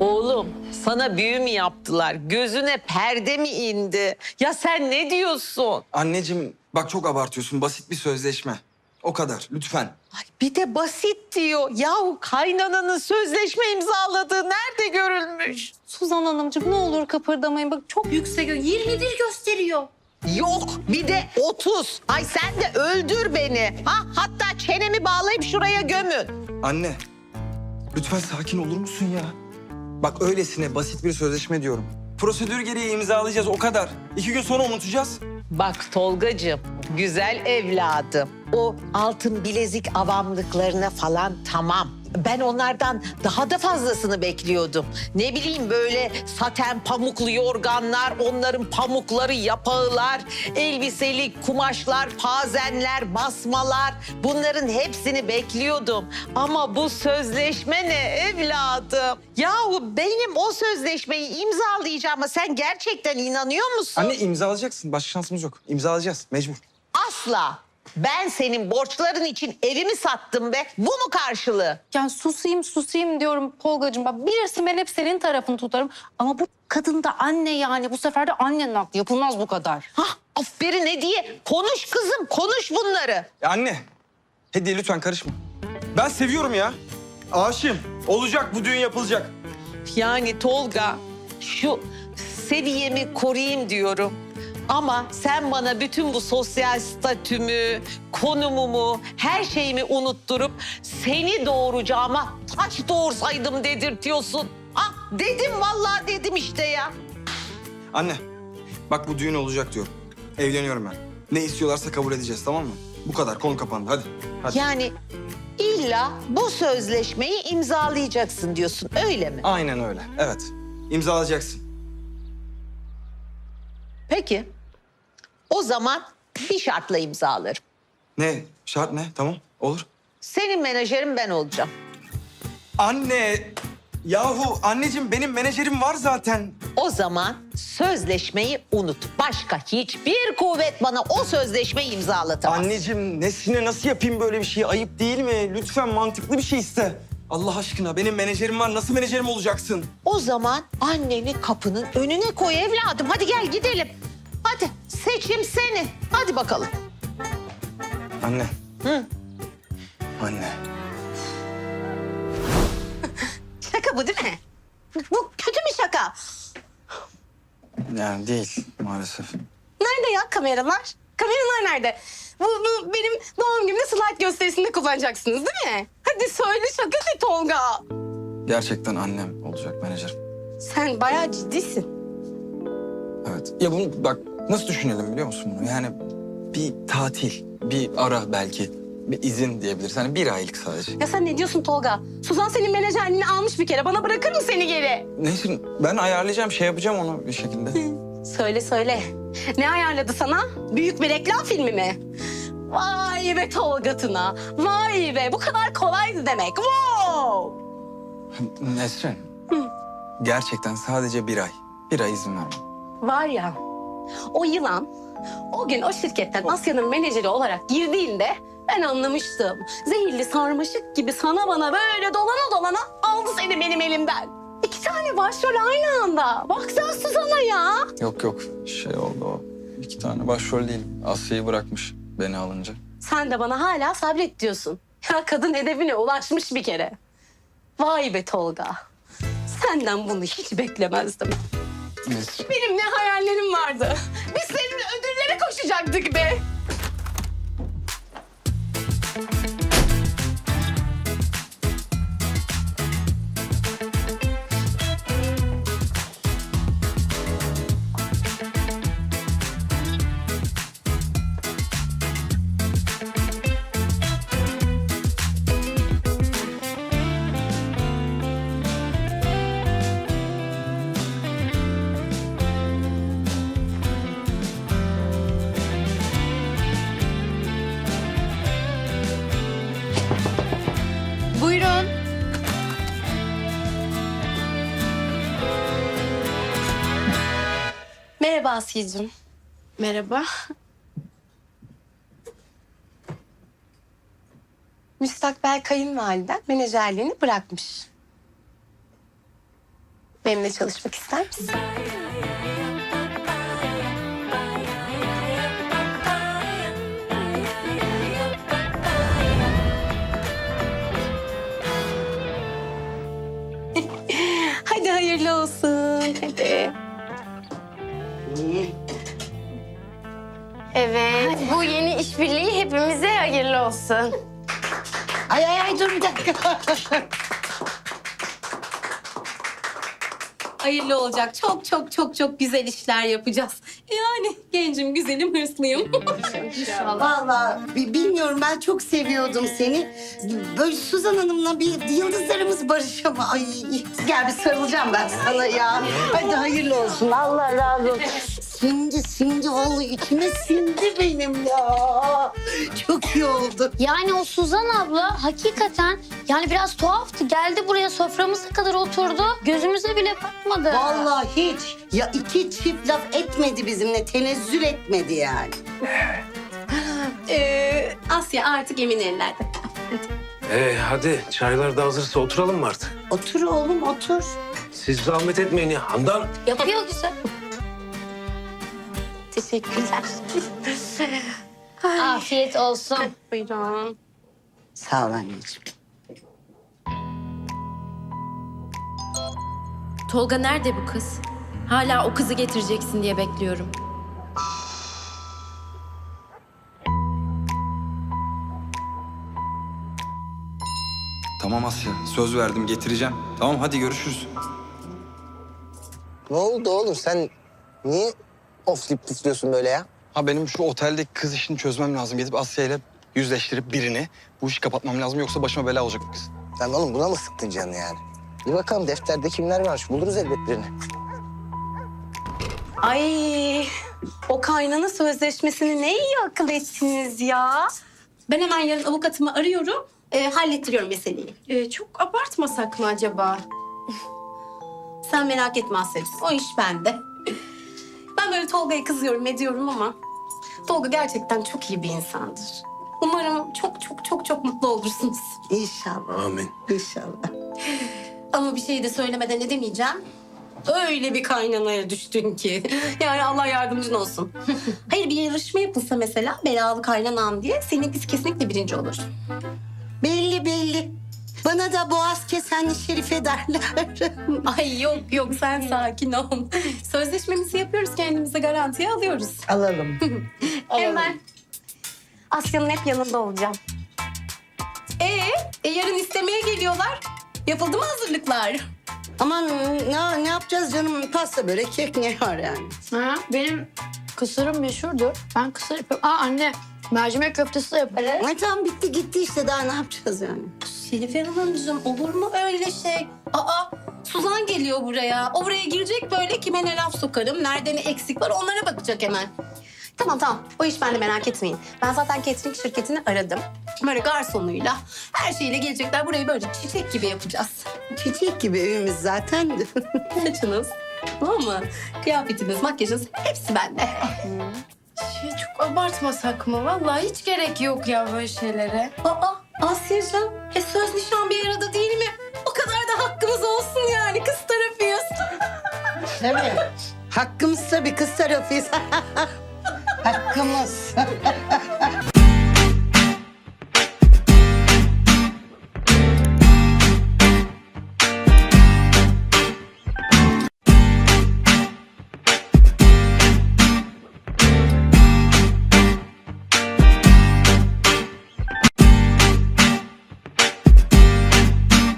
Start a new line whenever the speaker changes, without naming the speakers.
Oğlum sana büyü mü yaptılar? Gözüne perde mi indi? Ya sen ne diyorsun?
Anneciğim bak çok abartıyorsun. Basit bir sözleşme. O kadar lütfen.
Ay bir de basit diyor. Yahu kaynananın sözleşme imzaladığı nerede görülmüş?
Suzan Hanımcığım ne olur kıpırdamayın. Bak çok yüksek. 21 gösteriyor.
Yok bir de 30. Ay sen de öldür beni. Hatta çenemi bağlayıp şuraya gömün.
Anne lütfen sakin olur musun ya? Bak öylesine basit bir sözleşme diyorum. Prosedür gereği imzalayacağız o kadar. 2 gün sonra unutacağız.
Bak Tolgacığım, güzel evladım. O altın bilezik avamlıklarına falan tamam. Ben onlardan daha da fazlasını bekliyordum. Ne bileyim böyle saten pamuklu yorganlar, onların pamukları, yapağılar, elbiseli kumaşlar, pazenler, basmalar. Bunların hepsini bekliyordum. Ama bu sözleşme ne evladım? Yahu benim o sözleşmeyi imzalayacağıma sen gerçekten inanıyor musun?
Anne imzalayacaksın. Başka şansımız yok. İmzalayacağız mecbur.
Asla. Ben senin borçların için evimi sattım be. Bu mu karşılığı?
Yani susayım diyorum Tolgacığım. Bak bilirsin ben hep senin tarafını tutarım. Ama bu kadın da anne yani. Bu sefer de annenin aklı. Yapılmaz bu kadar.
Aferin Hediye. Konuş kızım, konuş bunları.
Ya anne. Hediye lütfen karışma. Ben seviyorum ya. Aşığım. Olacak bu düğün yapılacak.
Yani Tolga, şu seviyemi koruyayım diyorum. Ama sen bana bütün bu sosyal statümü, konumumu, her şeyimi unutturup seni doğuracağıma taş doğursaydım dedirtiyorsun. Dedim vallahi dedim işte ya.
Anne bak bu düğün olacak diyorum. Evleniyorum ben. Ne istiyorlarsa kabul edeceğiz tamam mı? Bu kadar konu kapandı hadi. Hadi.
Yani illa bu sözleşmeyi imzalayacaksın diyorsun öyle mi?
Aynen öyle. Evet. İmzalayacaksın.
Peki. O zaman bir şartla imzalarım.
Ne? Şart ne? Tamam. Olur.
Senin menajerin ben olacağım.
Anne! Yahu anneciğim benim menajerim var zaten.
O zaman sözleşmeyi unut. Başka hiçbir kuvvet bana o sözleşmeyi imzalatamaz.
Anneciğim nesine nasıl yapayım böyle bir şeyi? Ayıp değil mi? Lütfen mantıklı bir şey iste. Allah aşkına benim menajerim var. Nasıl menajerim olacaksın?
O zaman anneni kapının önüne koy evladım. Hadi gel gidelim. Hadi seçim senin. Hadi bakalım.
Anne.
Hı.
Anne.
Şaka bu değil mi? Bu kötü bir şaka.
Yani değil maalesef.
Nerede ya kameralar? Kameralar nerede? Bu benim doğum günümde slide gösterisinde kullanacaksınız değil mi? Hadi söyle şaka de Tolga.
Gerçekten annem olacak menajerim.
Sen bayağı ciddisin.
Evet. Ya bunu bak nasıl düşünelim biliyor musun bunu? Yani bir tatil, bir ara belki, bir izin diyebiliriz. Hani 1 aylık sadece.
Ya sen ne diyorsun Tolga? Suzan senin menajerliğini almış bir kere. Bana bırakır mı seni geri?
Neyse ben ayarlayacağım, şey yapacağım onu bir şekilde.
Söyle. Ne ayarladı sana? Büyük bir reklam filmi mi? Vay be Tolga Tuna. Vay be bu kadar kolaydı demek. Wow!
Nesrin, gerçekten sadece 1 ay. 1 ay izin vermem.
Var ya o yılan o gün o şirketten Asya'nın menajeri olarak girdiğinde ben anlamıştım. Zehirli sarmaşık gibi sana bana böyle dolana aldı seni benim elimden. 2 tane başrol aynı anda. Bak sen Suzan'a ya.
Yok şey oldu o. 2 tane başrol değil. Asya'yı bırakmış beni alınca.
Sen de bana hala sabret diyorsun. Ya kadın hedefine ulaşmış bir kere. Vay be Tolga. Senden bunu hiç beklemezdim.
Nesrin.
Benim ne hayallerim vardı. Biz seninle ödüllere koşacaktık be.
Buyurun.
Merhaba Asiye'cim.
Merhaba.
Müstakbel kayınvaliden menajerliğini bırakmış.
Benimle çalışmak ister misin?
Hadi hayırlı olsun. Hadi.
Evet. Bu yeni işbirliği hepimize hayırlı olsun.
Ay dur bir dakika.
Hayırlı olacak. Çok çok çok çok güzel işler yapacağız. Yani gencim, güzelim, hırslıyım.
Vallahi bilmiyorum, ben çok seviyordum seni. Böyle Suzan Hanım'la bir yıldızlarımız barışama. Ay gel bir sarılacağım ben sana ya. Hadi hayırlı olsun. Allah razı olsun. Sindi vallahi içime sindi benim ya. Çok iyi oldu.
Yani o Suzan abla hakikaten yani biraz tuhaftı. Geldi buraya soframıza kadar oturdu. Gözümüze bile bakmadı.
Vallahi hiç. Ya iki çift laf etmedi bizimle. Tenezzül etmedi yani.
Asya artık emin ellerde.
Hadi çaylar da hazırsa oturalım mı artık?
Otur oğlum otur.
Siz zahmet etmeyin ya. Handan.
Yapıyor güzel.
Teşekkürler.
Afiyet olsun.
Buyurun.
Sağ ol anneciğim.
Tolga nerede bu kız? Hala o kızı getireceksin diye bekliyorum.
Tamam Asya, söz verdim getireceğim. Tamam hadi görüşürüz.
Ne oldu oğlum, sen niye oflayıp püflüyorsun böyle ya?
Ha benim şu oteldeki kız işini çözmem lazım. Gidip Asya ile yüzleştirip birini bu işi kapatmam lazım. Yoksa başıma bela olacak bu kız.
Sen oğlum buna mı sıktın canını yani? Bir bakalım defterde kimler varmış, buluruz elbet birini.
Ay, o kaynana sözleşmesini ne iyi akıl ettiniz ya. Ben hemen yarın avukatımı arıyorum. Hallettiriyorum meseleyi.
Çok abartmasak mı acaba?
Sen merak etme Asya'cığım. O iş bende. Ben böyle Tolga'ya kızıyorum ediyorum ama Tolga gerçekten çok iyi bir insandır. Umarım çok çok çok çok mutlu olursunuz.
İnşallah.
Amin.
İnşallah.
Ama bir şey de söylemeden edemeyeceğim. Öyle bir kaynanaya düştün ki. Yani Allah yardımcın olsun. Hayır, bir yarışma yapılsa mesela belalı kaynanan diye seninkisi kesinlikle birinci olur.
Belli. Bana da boğaz kesenli Şerife derler.
Ay yok yok, sen sakin ol. Sözleşmemizi yapıyoruz, kendimize garantiye alıyoruz.
Alalım.
Hemen Asya'nın hep yanında olacağım. Yarın istemeye geliyorlar. Yapıldı mı hazırlıklar?
Aman ne yapacağız canım? Pasta, börek, kek ne var yani?
Ha, benim kısırım meşhurdur. Ben kısır yapıyorum. Anne mercimek köftesi de yaparım.
Ay tamam, bitti gitti işte, daha ne yapacağız yani?
Şerife Hanımcığım, olur mu öyle şey? Suzan geliyor buraya. O buraya girecek, böyle kime ne laf sokarım, nerede ne eksik var onlara bakacak hemen. Tamam. O iş bende, merak etmeyin. Ben zaten catering şirketini aradım. Böyle garsonuyla, her şeyle gelecekler. Burayı böyle çiçek gibi yapacağız.
Çiçek gibi evimiz zaten.
Saçınız, tamam mı? Kıyafetiniz, makyajınız hepsi bende.
Çok abartmasak mı? Vallahi hiç gerek yok ya böyle şeylere.
Asya'cığım, söz nişan bir arada değil mi? O kadar da hakkımız olsun yani, kız tarafıyız.
Değil mi? Hakkımız tabii, kız tarafıyız. Hakkımız.